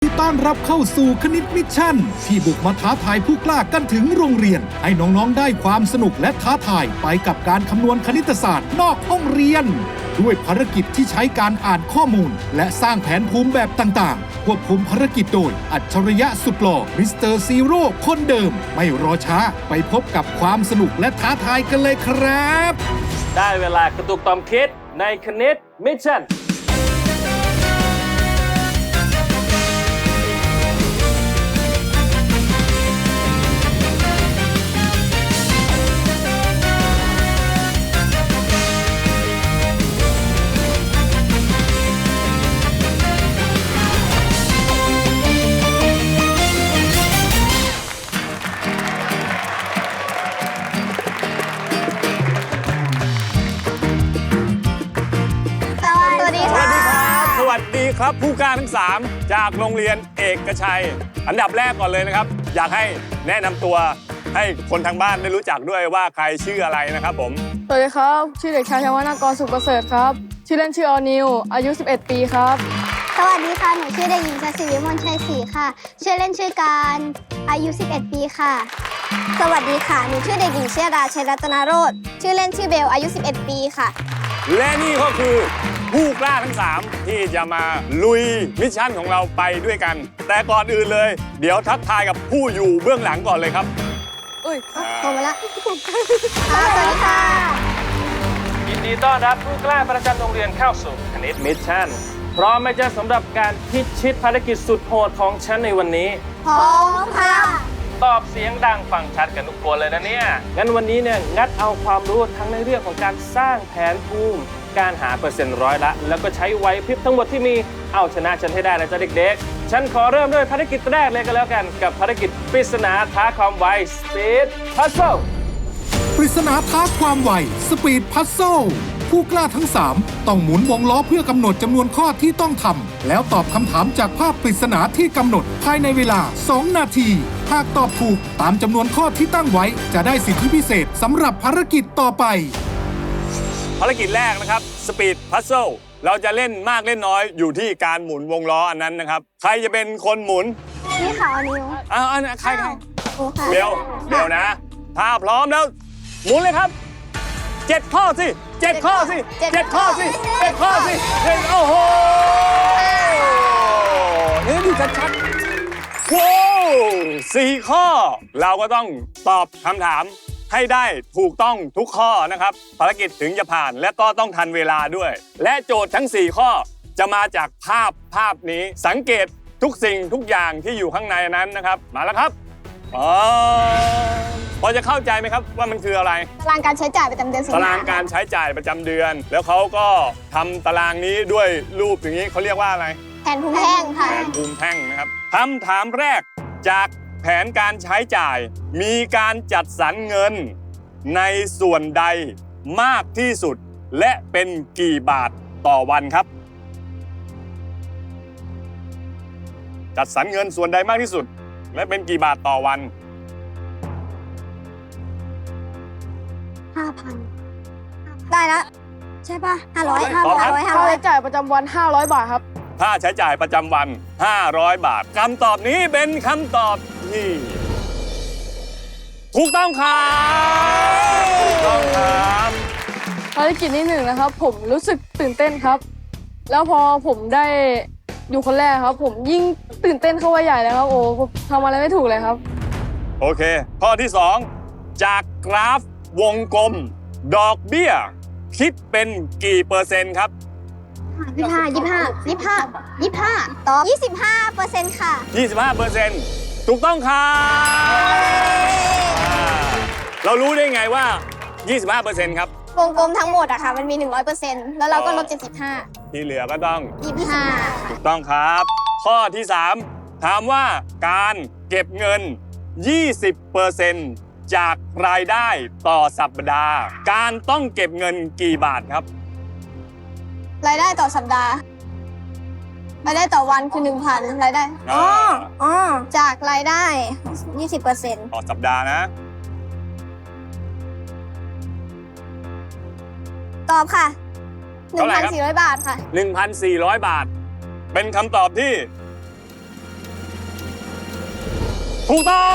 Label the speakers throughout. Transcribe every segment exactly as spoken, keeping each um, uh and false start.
Speaker 1: ต้อนรับเข้าสู่คณิตมิชชั่นที่บุกมาท้าทายผู้กล้ากันถึงโรงเรียนให้น้องๆได้ความสนุกและท้าทายไปกับการคำนวณคณิตศาสตร์นอกห้องเรียนด้วยภารกิจที่ใช้การอ่านข้อมูลและสร้างแผนภูมิแบบต่างๆควบคุมภารกิจโดยอัจฉริยะสุดหล่อมิสเตอร์ซีโร่คนเดิมไม่รอช้าไปพบกับความสนุกและท้าทายกันเลยครับ
Speaker 2: ได้เวลากระตุกต่อมคิดในคณิตมิชชั่น
Speaker 3: สวัสดีครับผู้กล้าทั้งสามจากโรงเรียนเอกชัยอันดับแรกก่อนเลยนะครับอยากให้แนะนำตัวให้คนทางบ้านได้รู้จักด้วยว่าใครชื่ออะไรนะครับผม
Speaker 4: สวัสดีครับชื่อเด็กชายชวนากรสุขประเสริฐครับชื่อเล่นชื่อออนิวอายุสิบเอ็ดปีครับ
Speaker 5: สวัสดีค่ะหนูชื่อเด็กหญิงชศิวิมลชัยศรีค่ะชื่อเล่นชื่อการอายุสิบเอ็ดปีค่ะสวัสดีค่ะหนูชื่อเด็กหญิงเชียดาชัยรัตนโรจน์ชื่อเล่นชื่อเบลอายุสิบเอ็ดปีค่ะ
Speaker 3: และนี่ก็คือผู้กล้าทั้งสามที่จะมาลุยมิชชั่นของเราไปด้วยกันแต่ก่อนอื่นเลยเดี๋ยวทักทายกับผู้อยู่เบื้องหลังก่อนเลยครับ
Speaker 4: อุ้ย
Speaker 5: โทรมาละสวัสดีค่ะ
Speaker 2: ยินดีต้อนรับผู้กล้าประจำโรงเรียนเข้าสู่คณิตมิชชั่นพร้อมไหมจ๊ะสำหรับการพิชิตภารกิจสุดโหดของฉันในวันนี้
Speaker 5: พร้อมค่ะ
Speaker 2: ตอบเสียงดังฟังชัดกันทุกคนเลยนะเนี่ยงั้นวันนี้เนี่ยงัดเอาความรู้ทั้งในเรื่องของการสร้างแผนภูมิการหาเปอร์เซ็นต์ร้อยละแล้วก็ใช้ไหวพริบทั้งหมดที่มีเอาชนะฉันให้ได้นะจ๊ะเด็กๆฉันขอเริ่มด้วยภารกิจแรกเลยก็แล้วกันกับภารกิจปริศนาท้าความไว Speed Puzzle
Speaker 1: ปริศนาท้าความไว Speed Puzzle ผู้กล้าทั้งสามต้องหมุนวงล้อเพื่อกำหนดจำนวนข้อที่ต้องทำแล้วตอบคำถามจากภาพปริศนาที่กำหนดภายในเวลาสองนาทีหากตอบถูกตามจำนวนข้อที่ตั้งไว้จะได้สิทธิพิเศษสำหรับภารกิจต่อไป
Speaker 3: ภารกิจแรกนะครับ Speed Puzzle เราจะเล่นมากเล่นน้อยอยู่ที่การหมุนวงล้ออันนั้นนะครับใครจะเป็นคนหมุน
Speaker 5: นี่ค่ะออนิว
Speaker 3: อ้าวอันใครครับเบลเบลนะถ้าพร้อมแล้วหมุนเลยครับเจ็ดข้อสิเจ็ดข้อสิเจ็ดข้อสิเจ็ดข้อสิเจ็ดโอ้โหนี่ดูชัดๆว้าวสี่ข้อเราก็ต้องตอบคำถามให้ได้ถูกต้องทุกข้อนะครับภารกิจถึงจะผ่านและก็ต้องทันเวลาด้วยและโจทย์ทั้งสี่ข้อจะมาจากภาพภาพนี้สังเกตทุกสิ่งทุกอย่างที่อยู่ข้างในนั้นนะครับมาแล้วครับอ๋อพอจะเข้าใจไหมครับว่ามันคืออะไร
Speaker 5: ตารางการใช้จ่ายประจำเดือน
Speaker 3: ตารางการใช้จ่ายประจำเดือนแล้วเขาก็ทำตารางนี้ด้วยรูปอย่างนี้เขาเรียกว่าอะไร
Speaker 5: แผนภูมิแท่งค่ะ
Speaker 3: แผนภูมิแท่งนะครับคำถามแรกจากแผนการใช้จ่ายมีการจัดสรรเงินในส่วนใดมากที่สุดและเป็นกี่บาทต่อวันครับจัดสรรเงินส่วนใดมากที่สุดและเป็นกี่บาทต่อวัน
Speaker 5: ห้าพันได้แล้วใช่ป่ะห้าร้อยห้าร้อยห้าร้อย
Speaker 4: ค่าใช้จ่ายประจำวันห้าร้อยบาทครับ
Speaker 3: ค่าใช้จ่ายประจำวันห้าร้อยบาทคำตอบนี้เป็นคำตอบที่ถูกต้องครับถูกต้องครับ
Speaker 4: ภารกิจที่หนึ่งนะครับผมรู้สึกตื่นเต้นครับแล้วพอผมได้อยู่คนแรกครับผมยิ่งตื่นเต้นเข้าไปใหญ่เลยครับโอ้ทำอะไรไม่ถูกเลยครับ
Speaker 3: โอเคข้อที่สองจากกราฟวงกลมดอกเบี้ยคิดเป็นกี่เปอร์เซ็นต์ครับ
Speaker 5: ยี่สิบห้ายี่สิบห้ายี่สิบห้ายี่สิบห้าตอบยี่สิบห้าเปอร์เซ็นต์ค่ะ
Speaker 3: ยี่สิบห้าเปอร์เซ็นต์ถูกต้องครับเรารู้ได้ไงว่า ยี่สิบห้าเปอร์เซ็นต์ ครับ
Speaker 5: วงกลมทั้งหมดอะค่ะมันมี หนึ่งร้อยเปอร์เซ็นต์ แล้วเราก็ลบเจ็ดสิบห้า
Speaker 3: ที่เหลือก็ต้อง
Speaker 5: ยี่สิบห้า
Speaker 3: ถูกต้องครับข้อที่สามถามว่าการเก็บเงิน ยี่สิบเปอร์เซ็นต์ จากรายได้ต่อสัปดาห์การต้องเก็บเงินกี่บาทครับ
Speaker 5: รายได้ต่อสัปดาห์รายได้ต่อวันคือ หนึ่งพัน รายได้อ๋ออ๋อจากรายได้ ยี่สิบเปอร์เซ็นต์
Speaker 3: ต่อสัปดาห์นะ
Speaker 5: ตอบค่ะ หนึ่งพันสี่ร้อย บาทค่ะ
Speaker 3: หนึ่งพันสี่ร้อย บาทเป็นคำตอบที่ถูกต้อง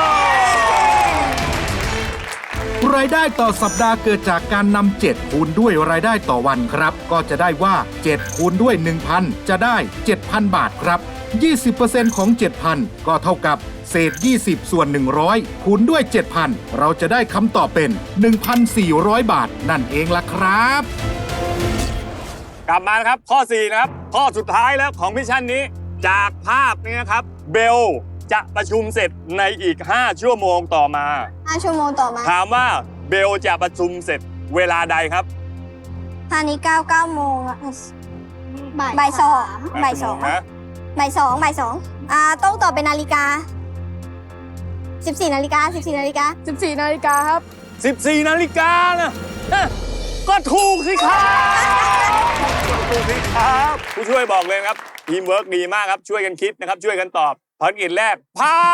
Speaker 1: รายได้ต่อสัปดาห์เกิดจากการนำเจ็ดคูณด้วยรายได้ต่อวันครับ ก็จะได้ว่าเจ็ดคูณด้วย หนึ่งพัน จะได้ เจ็ดพัน บาทครับ ยี่สิบเปอร์เซ็นต์ ของ เจ็ดพัน ก็เท่ากับเศษ ยี่สิบ ส่วน หนึ่งร้อย คูณด้วย เจ็ดพัน เราจะได้คำตอบเป็น หนึ่งพันสี่ร้อย บาท นั่นเองล่ะครับ
Speaker 3: กลับมานะครับ ข้อ สี่ นะครับ ข้อสุดท้ายแล้วของมิชชั่นนี้ จากภาพนี้นะครับ เบลจะประชุมเสร็จในอีก ห้า ชั่วโมงต่อมา
Speaker 5: ห้าชั่วโมงต่อมา
Speaker 3: ถามว่าเบลจะประชุมเสร็จเวลาใดครับ
Speaker 5: ตอนนี้เก้าเก้าโมงอะบ่ายสองบ่ายสอง
Speaker 3: นะ
Speaker 5: บ่ายสองบ่ายสองอ่าต้องตอบเป็นนาฬิกาสิบสี่นาฬิกาสิบสี่นาฬิกา
Speaker 4: สิบสี่นาฬิกาครับ
Speaker 3: สิบสี่ นาฬิกานะเอ๊ะก็ถูกสิครับถูกสิครับผู้ช่วยบอกเลยนะครับทีมเวิร์กดีมากครับช่วยกันคิดนะครับช่วยกันตอบภารกิจแรกผ่าน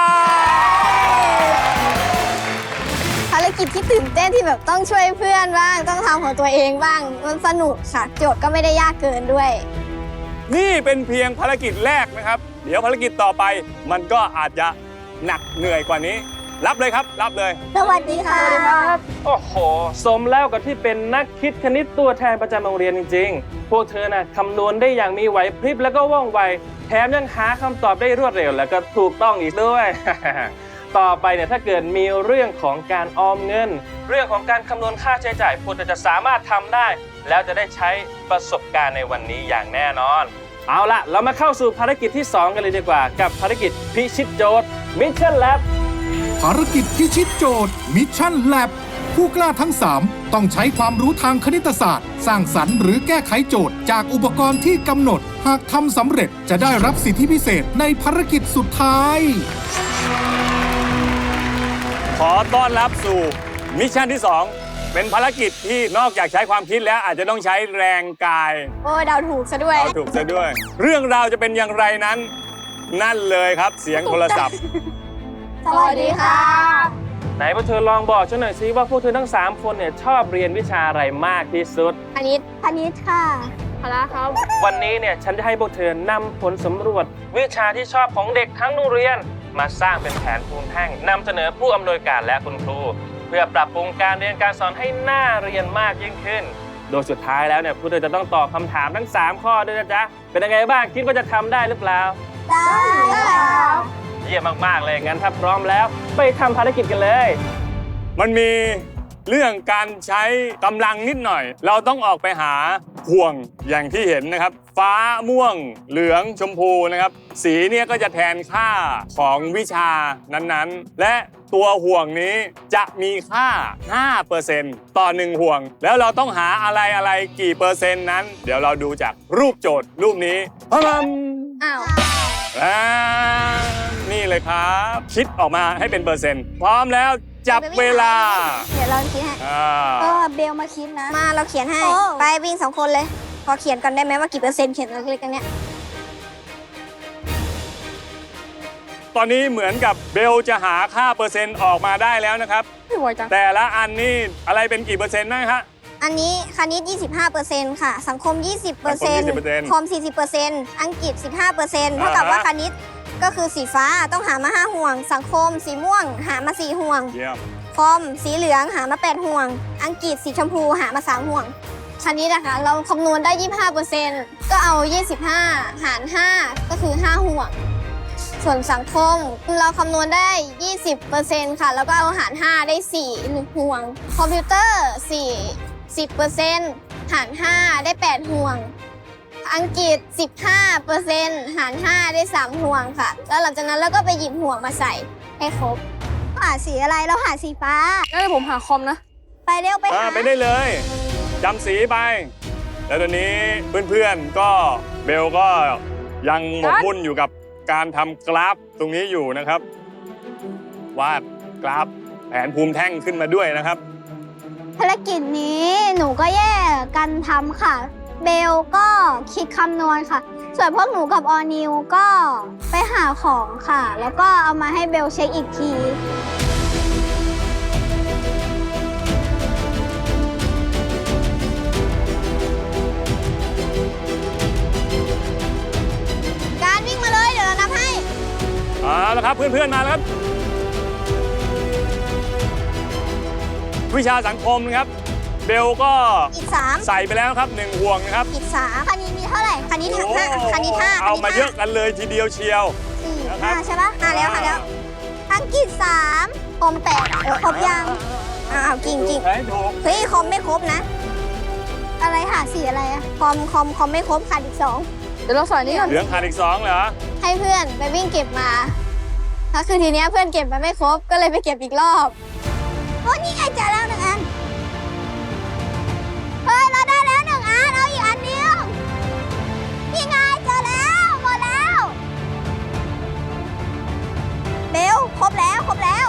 Speaker 5: ภารกิจที่ตื่นเต้นที่แบบต้องช่วยเพื่อนบ้างต้องทำของตัวเองบ้างมันสนุกค่ะโจทย์ก็ไม่ได้ยากเกินด้วย
Speaker 3: นี่เป็นเพียงภารกิจแรกนะครับ เดี๋ยวภารกิจต่อไป มันก็อาจจะหนักเหนื่อยกว่านี้ รับเลยครับ รับเลย
Speaker 5: สวัสดีค่ะ
Speaker 2: โอ้โห สมแล้วกับที่เป็นนักคิดคณิตตัวแทนประจำโรงเรียนจริงๆ พวกเธอน่ะคำนวณได้อย่างมีไหวพริบแล้วก็ว่องไว แถมยังหาคำตอบได้รวดเร็วแล้วก็ถูกต้องอีกด้วย ต่อไปเนี่ยถ้าเกิดมีเรื่องของการออมเงิน เรื่องของการคำนวณค่าใช้จ่ายพวกเธอจะสามารถทำได้ แล้วจะได้ใช้ประสบการณ์ในวันนี้อย่างแน่นอน เอาละเรามาเข้าสู่ภารกิจที่สองกันเลยดีกว่า กับภารกิจพิชิตโจทย์ Mission Lab
Speaker 1: ภารกิจพิชิตโจทย์มิชชั่นแลบผู้กล้าทั้ง สาม ต้องใช้ความรู้ทางคณิตศาสตร์ สร้างสรรค์หรือแก้ไขโจทย์จากอุปกรณ์ที่กำหนด หากทำสำเร็จจะได้รับสิทธิพิเศษในภารกิจสุดท้าย
Speaker 3: ขอต้อนรับสู่มิชชั่นที่ สอง เป็นภารกิจที่นอกจากใช้ความคิดแล้วอาจจะต้องใช้แรงกาย
Speaker 5: โอ้เดาถูกซะด้วย
Speaker 3: เอาถูกซะด้วย เรื่องราวจะเป็นอย่างไรนั้น นั่นเลยครับเสียงโทรศัพท์
Speaker 5: สวัสดีค่ะ
Speaker 2: ไหนพวกเธอลองบอกฉันหน่อยสิว่าพวกเธอทั้งสามคนเนี่ยชอบเรียนวิชาอะไรมากที่สุด
Speaker 5: คณิตคณิตค่ะ
Speaker 4: พละครับ
Speaker 2: วันนี้เนี่ยฉันจะให้พวกเธอนำผลสำรวจ วิชาที่ชอบของเด็กทั้งโรงเรียน มาสร้างเป็นแผนภูมิแท่งนำเสนอผู้อำนวยการและคุณครู เพื่อปรับปรุงการเรียนการสอนให้น่าเรียนมากยิ่งขึ้น โดยสุดท้ายแล้วเนี่ยพวกเธอจะต้องตอบคำถามทั้งสามข้อด้วยนะจ๊ะเป็นยังไงบ้างคิดว่าจะทำได้หรือเปล่า
Speaker 5: ได้ค่ะ
Speaker 2: เยี่ยมมากๆเลยงั้นถ้าพร้อมแล้วไปทำภารกิจกันเลย
Speaker 3: มันมีเรื่องการใช้กำลังนิดหน่อย เราต้องออกไปหาห่วงอย่างที่เห็นนะครับ ฟ้าม่วง เหลืองชมพูนะครับ สีเนี่ยก็จะแทนค่าของวิชานั้นๆ และตัวห่วงนี้จะมีค่า ห้าเปอร์เซ็นต์ ต่อหนึ่งห่วง แล้วเราต้องหาอะไรอะไรกี่เปอร์เซ็นต์นั้น เดี๋ยวเราดูจากรูปโจทย์รูปนี้พะมัม
Speaker 5: อ้าว
Speaker 3: อ่านี่เลยครับ คิดออกมาให้เป็นเปอร์เซ็นต์ พร้อมแล้วจับเวลา
Speaker 5: เดี๋ยวเราคิดให้
Speaker 3: อ่า
Speaker 5: เออเบลมาคิดนะ มาเราเขียนให้ ไปวิ่งสองคนเลย พอเขียนกันได้ไหมว่ากี่เปอร์เซ็นต์เขียนเล็กๆกันเนี้ย
Speaker 3: ตอนนี้เหมือนกับเบลจะหาค่าเปอร์เซ็นต์ออกมาได้แล้วนะครับ
Speaker 4: ไม่ไหวจัง
Speaker 3: แต่ละอันนี่อะไรเป็นกี่เปอร์เซ็นต์บ้างฮะ
Speaker 5: อันนี้คณิต ยี่สิบห้าเปอร์เซ็นต์ ค่ะ สังคม ยี่สิบเปอร์เซ็นต์
Speaker 3: สังคม ยี่สิบเปอร์เซ็นต์
Speaker 5: คอม สี่สิบเปอร์เซ็นต์ อังกฤษ สิบห้าเปอร์เซ็นต์ เท่ากับ
Speaker 3: อ่าฮะ
Speaker 5: ว่าคณิตก็คือสีฟ้าต้องหามาห้าห่วง สังคมสีม่วง หามาสี่ห่วง
Speaker 3: เยี่ยม
Speaker 5: คอมสีเหลืองหามาแปดห่วง อังกฤษสีชมพูหามาสามห่วง คณิตนะคะเราคำนวณได้ ยี่สิบห้าเปอร์เซ็นต์ ก็เอา ยี่สิบห้า หาร ห้า ก็คือ ห้า ห่วง ส่วนสังคมเราคำนวณได้ ยี่สิบเปอร์เซ็นต์ ค่ะ แล้วก็เอาหาร ห้า ได้ สี่ หนึ่ง ห่วง คอมพิวเตอร์ สี่ สิบเปอร์เซ็นต์ หาร ห้า ได้ แปด ห่วง อังกฤษ สิบห้าเปอร์เซ็นต์ หาร ห้า ได้ สาม ห่วงค่ะ แล้วหลังจากนั้นเราก็ไปหยิบห่วงมาใส่ให้ครบ หาสีอะไรเราหาสีฟ้า
Speaker 4: งั้นเดี๋ยวผมหาคอมนะ
Speaker 5: ไปเร็วไป
Speaker 3: อ่า
Speaker 5: หา
Speaker 3: ไปได้เลยจำสีไป แล้วตอนนี้เพื่อนๆก็เบลก็ยังหมกมุ่นอยู่กับการทำกราฟตรงนี้อยู่นะครับ วาดกราฟแผนภูมิแท่งขึ้นมาด้วยนะครับ
Speaker 5: ภารกิจนี้หนูก็แยกกันทำค่ะ เบลก็คิดคำนวณค่ะ ส่วนพวกหนูกับออนิวก็ไปหาของค่ะ แล้วก็เอามาให้เบลเช็คอีกที การวิ่งมาเลยเดี๋ยวเรานับให้
Speaker 3: เอาละครับเพื่อนๆมาแล้วครับวิชาสังคมนะครับเบลก็
Speaker 5: อีกสาม
Speaker 3: ใส่ไปแล้วครับหนึ่งห่วงนะครับ
Speaker 5: อีกสามคณิตมีเท่าไหร่คณิต
Speaker 3: โอ้
Speaker 5: ห้าคณิตห้า
Speaker 3: เอามา
Speaker 5: คณิตห้
Speaker 3: เยอะกันเลยทีเดียวเชียว
Speaker 5: สี่
Speaker 3: นะครับ
Speaker 5: ห้าใช่ปะห้าแล้วห้าแล้วอังกฤษสามคอมแปดเออครบยังอ้าวจริงจริง
Speaker 3: ถูกไหมถูก
Speaker 5: เฮ้ยคอมไม่ครบนะ อะไรหาสี่อะไรอะคอมคอมคอมไม่ครบขาดอีกสอง
Speaker 4: เดี๋ยวเราใส่นี้ก่อน
Speaker 3: เหลืองขาดอีกสองเหรอ
Speaker 5: ให้เพื่อนไปวิ่งเก็บมาแล้วคือทีเนี้ยเพื่อนเก็บมาไม่ครบก็เลยไปเก็บอีกรอบโอ้นี่ไงเจอแล้วหนึ่งอันเฮ้ยเราได้แล้วหนึ่งอันเอาอีกอันเดียวนี่ไงเจอแล้วหมดแล้วเบลครบแล้วครบแล้ว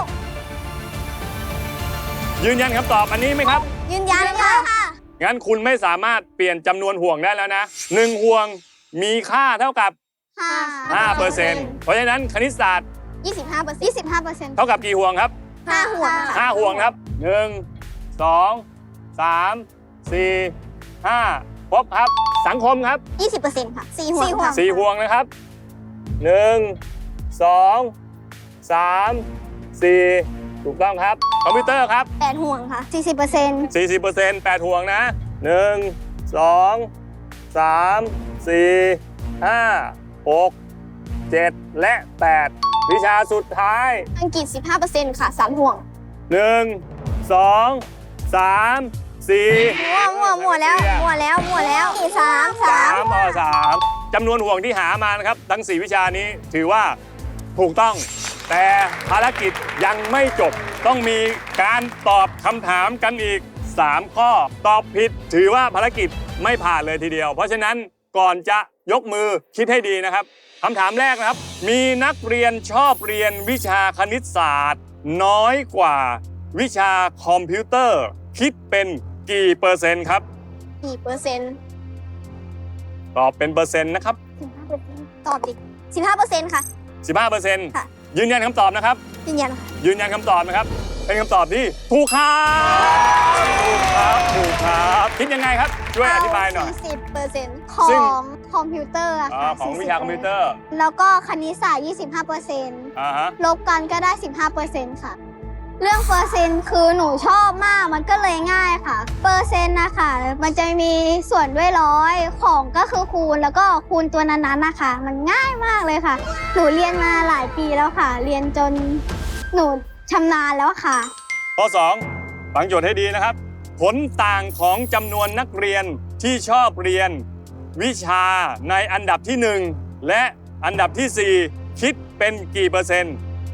Speaker 3: ยืนยันคำตอบอันนี้ไหมครับ
Speaker 5: ยืนยันค่ะ
Speaker 3: งั้นคุณไม่สามารถเปลี่ยนจำนวนห่วงได้แล้วนะหนึ่งห่วงมีค่าเท่ากับ
Speaker 5: ห้า
Speaker 3: ห้าเปอร์เซ็นต์ เพราะฉะนั้นคณิตศาสตร์
Speaker 5: ยี่สิบห้าเปอร์เซ็นต์ยี่สิบห้าเปอร์เซ็นต์
Speaker 3: เท่ากับกี่ห่วงครับ
Speaker 5: ห้าห่วง
Speaker 3: ห้าห่วงครับหนึ่งสองสามสี่ห้าครบครับ สังคมครับ
Speaker 5: ยี่สิบเปอร์เซ็นต์ค่ะสี่ห่วงค่ะ
Speaker 3: สี่ห่วงนะครับหนึ่งสองสามสี่ถูกต้องครับ คอมพิวเตอร์ครับ
Speaker 5: แปดห่วงค่ะสี่สิบเปอร์เซ็นต์
Speaker 3: สี่สิบเปอร์เซ็นต์ แปดห่วงนะหนึ่งสองสามสี่ห้าหกเจ็ดและแปดวิชาสุดท้าย
Speaker 5: อังกฤษสิบห้าเปอร์เซ็นต์ค่ะสามห่วง
Speaker 3: หนึ่งสองสามสี่
Speaker 5: มั่วมั่วมั่วแล้วมั่วแล้วมั่วแล้วสามสา
Speaker 3: สาม มต่อสามจำนวนห่วงที่หามานะครับ ทั้งสี่วิชานี้ถือว่าถูกต้อง แต่ภารกิจยังไม่จบ ต้องมีการตอบคำถามกันอีกสามข้อ ตอบผิดถือว่าภารกิจไม่ผ่านเลยทีเดียว เพราะฉะนั้นก่อนจะยกมือคิดให้ดีนะครับคำถามแรกนะครับ มีนักเรียนชอบเรียนวิชาคณิตศาสตร์ น้อยกว่าวิชาคอมพิวเตอร์ คิดเป็นกี่เปอร์เซ็นต์ครับ
Speaker 5: กี่เปอร์เซ็นต์
Speaker 3: ตอบเป็นเปอร์เซ็นต์นะครับ
Speaker 5: สิบห้าเปอร์เซ็นต์ตอบดิสิบห้าเปอร์เซ็นต์ค่ะ
Speaker 3: สิบห้าเปอร์เซ็นต์
Speaker 5: ค่ะ
Speaker 3: ยืนยันคำตอบนะครับ
Speaker 5: ยืนยันค่ะ
Speaker 3: ยืนยันคำตอบนะครับ เป็นคำตอบที่ถูกครับถูกครับถูกครับคิดยังไงครับ ช่วยอธิบายหน่อย
Speaker 5: สี่สิบเปอร์เซ็นต์ข
Speaker 3: ซึ่ง
Speaker 5: องคอมพิวเตอร์อะ
Speaker 3: อ๋อ
Speaker 5: ค่ะ
Speaker 3: ของวิชาคอมพิวเตอร์
Speaker 5: แล้วก็คณิตศาสตร์ยี่สิบห้าเปอร์เซ็นต์
Speaker 3: อ่าฮะ
Speaker 5: ลบกันก็ได้สิบห้าเปอร์เซ็นต์ค่ะ เรื่องเปอร์เซ็นต์คือหนูชอบมากมันก็เลยง่ายค่ะ เปอร์เซ็นต์นะคะมันจะมีส่วนด้วยร้อยของก็คือคูณแล้วก็คูณตัวนั้นๆนะคะมันง่ายมากเลยค่ะ หนูเรียนมาหลายปีแล้วค่ะ เรียนจนหนูชำนาญแล้วค่ะ
Speaker 3: ข้อสองฟังโจทย์ให้ดีนะครับ ผลต่างของจำนวนนักเรียนที่ชอบเรียน วิชาในอันดับที่หนึ่งและอันดับที่สี่คิดเป็นกี่เปอร์เซ็นต์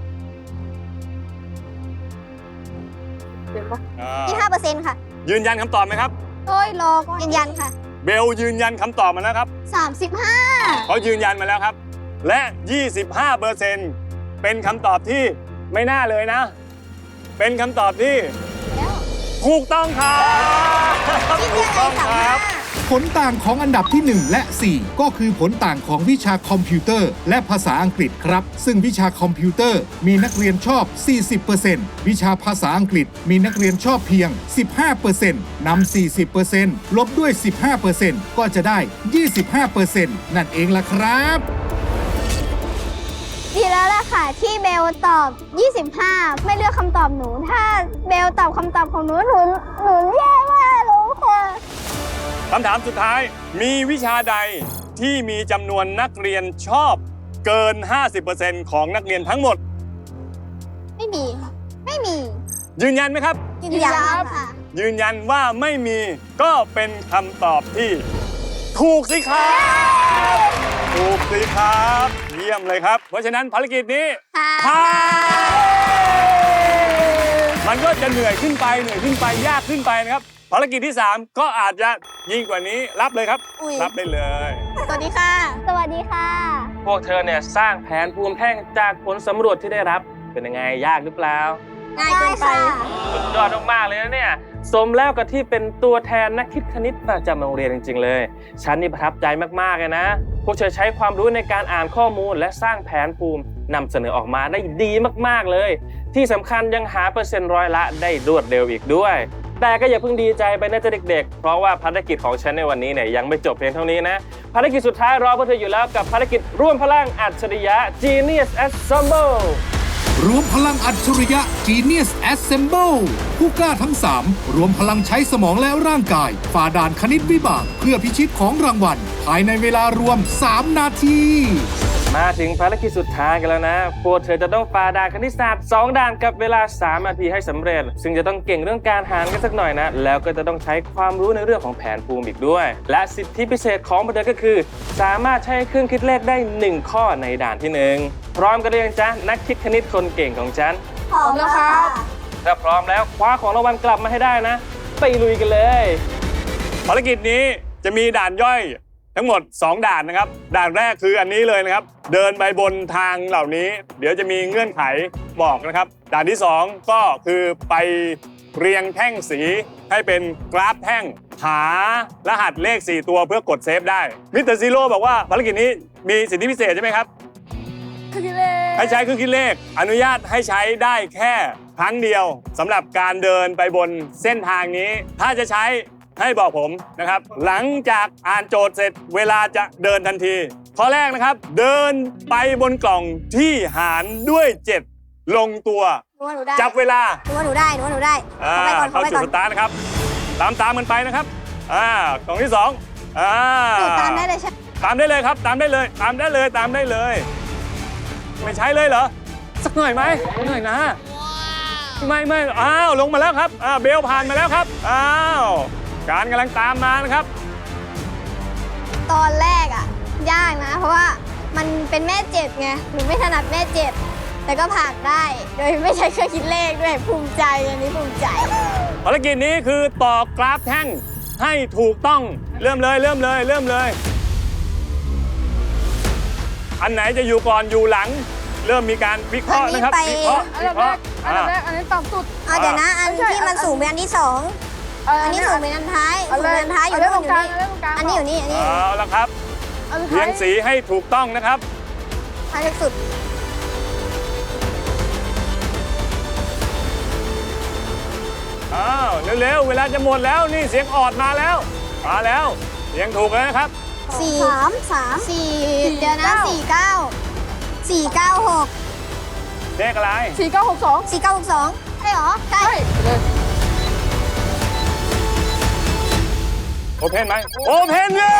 Speaker 4: เห็นปะ
Speaker 3: อ่า
Speaker 5: ยี่สิบห้าเปอร์เซ็นต์ค่ะ
Speaker 3: ยืนยันคำตอบไหมครับ
Speaker 4: โอ้ยรอก่อน
Speaker 5: ยืนยันค่ะ
Speaker 3: เบลยืนยันคำตอบมาแล้วครับ
Speaker 5: สามสิบห้า
Speaker 3: เขายืนยันมาแล้วครับ และ ยี่สิบห้าเปอร์เซ็นต์ เป็นคำตอบที่ไม่น่าเลยนะ เป็นคำตอบที่
Speaker 5: แล้ว
Speaker 3: ถูกต้องครับถูกต้องครับ
Speaker 1: ผลต่างของอันดับที่ หนึ่ง และ สี่ ก็คือผลต่างของวิชาคอมพิวเตอร์ และภาษาอังกฤษครับ ซึ่งวิชาคอมพิวเตอร์มีนักเรียนชอบ สี่สิบเปอร์เซ็นต์ วิชาภาษาอังกฤษมีนักเรียนชอบเพียง สิบห้าเปอร์เซ็นต์ นำ สี่สิบเปอร์เซ็นต์ ลบด้วย สิบห้าเปอร์เซ็นต์ ก็จะได้ ยี่สิบห้าเปอร์เซ็นต์ นั่นเองล่ะครับ
Speaker 5: ดีแล้วล่ะค่ะที่เบลตอบ ยี่สิบห้า ไม่เลือกคำตอบหนู ถ้าเบลตอบคำตอบของหนูหนูหนูแย่มากเลยค่ะ
Speaker 3: คำถามสุดท้าย มีวิชาใดที่มีจำนวนนักเรียนชอบเกิน ห้าสิบเปอร์เซ็นต์ ของนักเรียนทั้งหมด
Speaker 5: ไม่มีค่ะไม่มี
Speaker 3: ยืนยันไหมครับ
Speaker 5: ยืนยันค่ะ
Speaker 3: ยืนยันว่าไม่มีก็เป็นคำตอบที่ถูกสิครับ ถูกสิครับ เยี่ยมเลยครับ เพราะฉะนั้นภารกิจนี้
Speaker 5: ค่ะ
Speaker 3: ผ่านมันก็จะเหนื่อยขึ้นไปเหนื่อยขึ้นไปยากขึ้นไปนะครับ ภารกิจที่ สาม ก็อาจจะยิ่งกว่านี้รับเลยครับ
Speaker 5: อุ๊ย
Speaker 3: รับได้เลย
Speaker 5: สวัสดีค่ะ สวัสดีค่ะ
Speaker 2: พวกเธอเนี่ยสร้างแผนภูมิแท่งจากผลสำรวจที่ได้รับ เป็นยังไงยากหรือเปล่า
Speaker 5: ง่ายเกินไป
Speaker 2: สุดยอดมากๆเลยนะเนี่ยสมแล้วกับที่เป็นตัวแทนนักคิดคณิตประจำโรงเรียนจริงๆเลยฉันนี่ประทับใจมากๆเลยนะพวกเธอใช้ความรู้ในการอ่านข้อมูลและสร้างแผนภูมินำเสนอออกมาได้ดีมากๆเลยที่สำคัญยังหาเปอร์เซ็นต์ร้อยละได้รวดเร็วอีกด้วยแต่ก็อย่าเพิ่งดีใจไปนะจ๊ะเด็กๆเพราะว่าภารกิจของฉันในวันนี้เนี่ยยังไม่จบเพียงเท่านี้นะภารกิจสุดท้ายรอพวกเธออยู่แล้วกับภารกิจร่วมพลังอัจฉริยะ Genius Assemble
Speaker 1: รวมพลังอัจฉริยะ Genius Assemble ผู้กล้าทั้งสามรวมพลังใช้สมองและร่างกายฝ่าด่านคณิตวิบากเพื่อพิชิตของรางวัลภายในเวลารวมสามนาที
Speaker 2: มาถึงภารกิจสุดท้ายกันแล้วนะพวกเธอจะต้องฝ่าด่านคณิตศาสตร์สองด่านกับเวลาสามนาทีให้สำเร็จ ซึ่งจะต้องเก่งเรื่องการหารกันสักหน่อยนะ แล้วก็จะต้องใช้ความรู้ในเรื่องของแผนภูมิอีกด้วย และสิทธิพิเศษของพวกเธอก็คือ สามารถใช้เครื่องคิดเลขได้หนึ่งข้อในด่านที่หนึ่งพร้อมกันหรือยังจ๊ะนักคิดคณิตคนเก่งของฉัน
Speaker 5: พร้อมแล้วครับ
Speaker 2: ถ้าพร้อมแล้วคว้าของรางวัลกลับมาให้ได้นะ ไปลุยกันเลย
Speaker 3: ภารกิจนี้จะมีด่านย่อยทั้งหมดสองด่านนะครับ ด่านแรกคืออันนี้เลยนะครับ เดินไปบนทางเหล่านี้ เดี๋ยวจะมีเงื่อนไขบอกนะครับ ด่านที่สองก็คือไปเรียงแท่งสีให้เป็นกราฟแท่งหารหัสเลขสี่ตัวเพื่อกดเซฟได้มิสเตอร์ซีโร่บอกว่าภารกิจนี้มีสิทธิพิเศษใช่ไหมครับ
Speaker 4: คือคิดเลข
Speaker 3: ให้ใช้เครื่องคิดเลขอนุญาตให้ใช้ได้แค่ครั้งเดียวสำหรับการเดินไปบนเส้นทางนี้ ถ้าจะใช้ให้บอกผมนะครับ หลังจากอ่านโจทย์เสร็จเวลาจะเดินทันทีข้อแรกนะครับ เดินไปบนกล่องที่หารด้วยเจ็ดลงตัว
Speaker 5: หนูว่าหนูได้
Speaker 3: จับเวลา
Speaker 5: หนูว่าหนูได้หนูว่าหนูได้
Speaker 3: อ่า
Speaker 5: เข้าไปก่อน
Speaker 3: เข้า
Speaker 5: เข้าไป
Speaker 3: จุด
Speaker 5: ก่อน
Speaker 3: สตาร์ทนะครับ ตามตามกันไปนะครับอ่ากล่องที่สองอ่า
Speaker 5: หนูตามได้เลยใช่ไหม
Speaker 3: ตามได้เลยครับ ตามได้เลย ตามได้เลยตามได้เลย ไม่ใช้เลยเหรอสักหน่อยไหมหน่อยนะไม่ไม่อ้าวลงมาแล้วครับอ่าเบลผ่านมาแล้วครับอ้าวการกำลังตามมานะครับ
Speaker 5: ตอนแรกอ่ะ ยากนะ เพราะว่ามันเป็นแม่เจ็ดไงหนูไม่ถนัดแม่เจ็ดแต่ก็ผ่านได้ โดยไม่ใช้เครื่องคิดเลขด้วยภูมิใจอันนี้ภูมิใจ
Speaker 3: ภารกิจนี้คือต่อกราฟแท่งให้ถูกต้องเริ่มเลยเริ่มเลยเริ่มเลย อันไหนจะอยู่ก่อนอยู่หลัง เริ่มมีการวิเคราะห์นะครับ
Speaker 5: อันนี้ไป
Speaker 3: วิเคราะห์
Speaker 4: อัน
Speaker 3: วิ
Speaker 4: ดับ
Speaker 3: เค
Speaker 4: แร
Speaker 3: ราะ
Speaker 4: ก
Speaker 3: ห์
Speaker 4: อันดับแร
Speaker 3: อ่า
Speaker 4: กอันนี้ต่ำสุด
Speaker 5: เอาเดี๋ยวนะ อัน
Speaker 4: ไม่ใช่
Speaker 5: ที่มันสูงเป็นอันที่สองอันนี้สูงเป็นอันท้าย
Speaker 4: อั
Speaker 5: สู
Speaker 4: น
Speaker 5: ง
Speaker 4: แร
Speaker 5: เป็น
Speaker 4: ก
Speaker 5: อันท้ายอยู่
Speaker 4: อันแร
Speaker 5: นู่
Speaker 4: ก
Speaker 5: น
Speaker 4: ตรง
Speaker 5: อยู่
Speaker 4: กลาง
Speaker 5: นี่
Speaker 4: อันแรกตรงกลาง
Speaker 5: อันนี้อยู่นี่อันนี้
Speaker 3: เอาละครับ
Speaker 4: อันสุด
Speaker 3: เรีย
Speaker 4: ท้าย
Speaker 3: งสีให้ถูกต้องนะครับ
Speaker 5: ท้ายสุด
Speaker 3: อ้าวเร็วๆเวลาจะหมดแล้วนี่เสียงออดมาแล้วมาแล้วเสียงถูกแล้วนะครับ
Speaker 5: สี่สามสามสี่เดี๋ยวนะสี่เก้าสี่เก้าหก
Speaker 3: เลขอะไร
Speaker 4: สี่เก้าหกสอง
Speaker 5: สี่เก้าหกสองใช่เหรอ ใช่
Speaker 4: ใช่เลย
Speaker 3: โอเพนไหมโอเพนเย้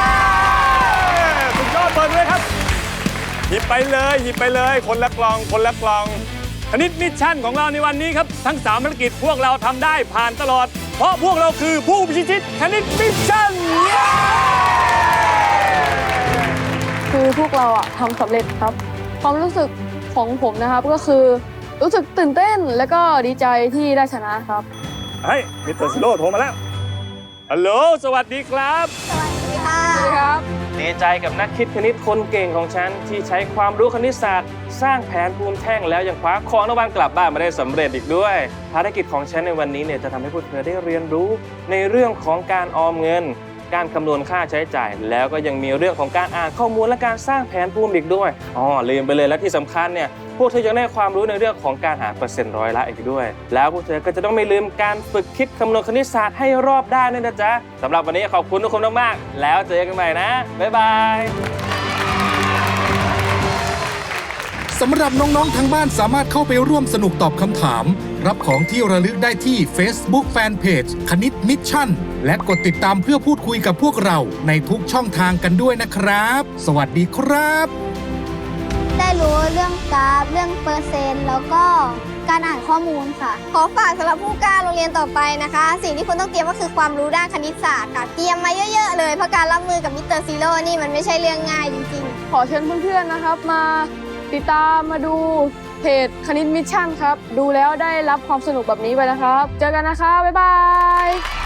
Speaker 3: สุดยอดเปิดเลยครับหยิบไปเลยหยิบไปเลยคนละกล่องคนละกล่องคณิตมิชชั่นของเราในวันนี้ครับทั้งสามภารกิจพวกเราทำได้ผ่านตลอด เพราะพวกเราคือผู้พิชิตคณิตมิชชั่นเย้
Speaker 4: คือพวกเราอะทำสำเร็จครับ ความรู้สึกของผมนะครับก็คือรู้สึกตื่นเต้นและก็ดีใจที่ได้ชนะครับ
Speaker 3: เฮ้ยมิสเตอร์ซิโร่โทรมาแล้วฮัลโหลสวัสดีครับ
Speaker 5: สวัสดีค่ะ
Speaker 4: สวัสดีครับ
Speaker 2: ดีใจกับนักคิดคณิตคนเก่งของฉันที่ใช้ความรู้คณิตศาสตร์ สร้างแผนภูมิแท่งแล้วยังคว้าของรางวัลกลับบ้านมาได้สำเร็จอีกด้วย ภารกิจของฉันในวันนี้เนี่ยจะทำให้พวกเธอได้เรียนรู้ในเรื่องของการออมเงิน การคำนวณค่าใช้จ่าย แล้วก็ยังมีเรื่องของการอ่านข้อมูลและการสร้างแผนภูมิอีกด้วยอ๋อลืมไปเลยและที่สำคัญเนี่ยพวกเธอยังได้ความรู้ในเรื่องของการหาเปอร์เซ็นต์ร้อยละอีกด้วย แล้วพวกเธอก็จะต้องไม่ลืมการฝึกคิดคำนวณคณิตศาสตร์ให้รอบด้านด้วยนะจ๊ะสำหรับวันนี้ขอบคุณทุกคนมากๆแล้วเจอกันใหม่นะบ๊ายบาย
Speaker 1: สำหรับน้องๆทางบ้านสามารถเข้าไปร่วมสนุกตอบคำถาม รับของที่ระลึกได้ที่ Facebook Fanpage คณิตมิชชั่น และกดติดตามเพื่อพูดคุยกับพวกเราในทุกช่องทางกันด้วยนะครับ สวัสดีครับ
Speaker 5: ได้รู้เรื่องกราฟ เรื่องเปอร์เซ็นต์ แล้วก็การอ่านข้อมูลค่ะ ขอฝากสำหรับผู้กล้าโรงเรียนต่อไปนะคะ สิ่งที่คุณต้องเตรียมก็คือความรู้ด้านคณิตศาสตร์ค่ะ เตรียมมาเยอะๆเลย เพราะการรับมือกับมิสเตอร์ซีโร่นี่มันไม่ใช่เรื่องง่ายจริงๆ
Speaker 4: ขอเชิญเพื่อนๆนะครับมาติดตามมาดูเพจคณิตมิชชั่นครับ ดูแล้วได้รับความสนุกแบบนี้ไปนะครับ เจอกันนะครับ บ๊ายบาย